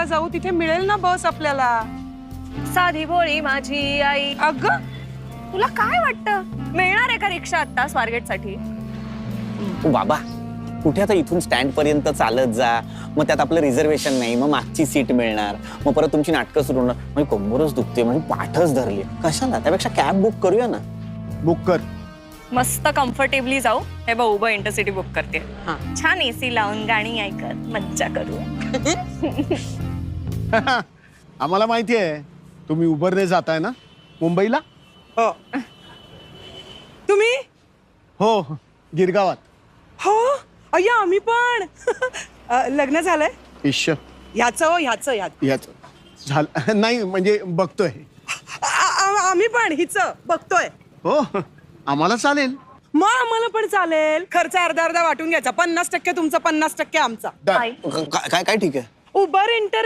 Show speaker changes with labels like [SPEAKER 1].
[SPEAKER 1] स्वारगेटला जाऊ, तिथे मिळेल ना बस आपल्याला.
[SPEAKER 2] साधी भोळी माझी आई.
[SPEAKER 1] अगं
[SPEAKER 2] तुला काय वाटतं मिळणार आहे का रिक्षा आता स्वारगेट साठी?
[SPEAKER 3] बाबा कुठे आता इथून स्टँड पर्यंत चालत जा, मग त्यात आपलं रिझर्वेशन नाही, मग मागची सीट मिळणार, मग परत तुमची नाटकं सुरू होणार, म्हणजे कंबरच दुखते, म्हणजे पाठच धरली. कशाला, त्यापेक्षा कॅब बुक करूया ना.
[SPEAKER 4] बुक कर.
[SPEAKER 2] मस्त कम्फर्टेबली जाऊ. हे बघ उबर इंटरसिटी बुक करते. छान एसी लावून गाणी ऐकत मज्जा करू.
[SPEAKER 4] आम्हाला माहिती आहे तुम्ही उबरने जाताय ना मुंबईला.
[SPEAKER 1] हो. तुम्ही?
[SPEAKER 4] हो, गिरगावात.
[SPEAKER 1] हो अय्या आम्ही पण. लग्न झालंय
[SPEAKER 4] इश्श.
[SPEAKER 1] ह्याचं
[SPEAKER 4] झालं नाही, म्हणजे बघतोय.
[SPEAKER 1] आम्ही पण हिच बघतोय.
[SPEAKER 4] हो, आम्हाला चालेल.
[SPEAKER 1] मग आम्हाला पण चालेल. खर्च अर्धा अर्धा वाटून घ्यायचा. 50% तुमचा, 50% आमचा.
[SPEAKER 4] डन.
[SPEAKER 3] काय काय ठीक आहे.
[SPEAKER 1] Uber inter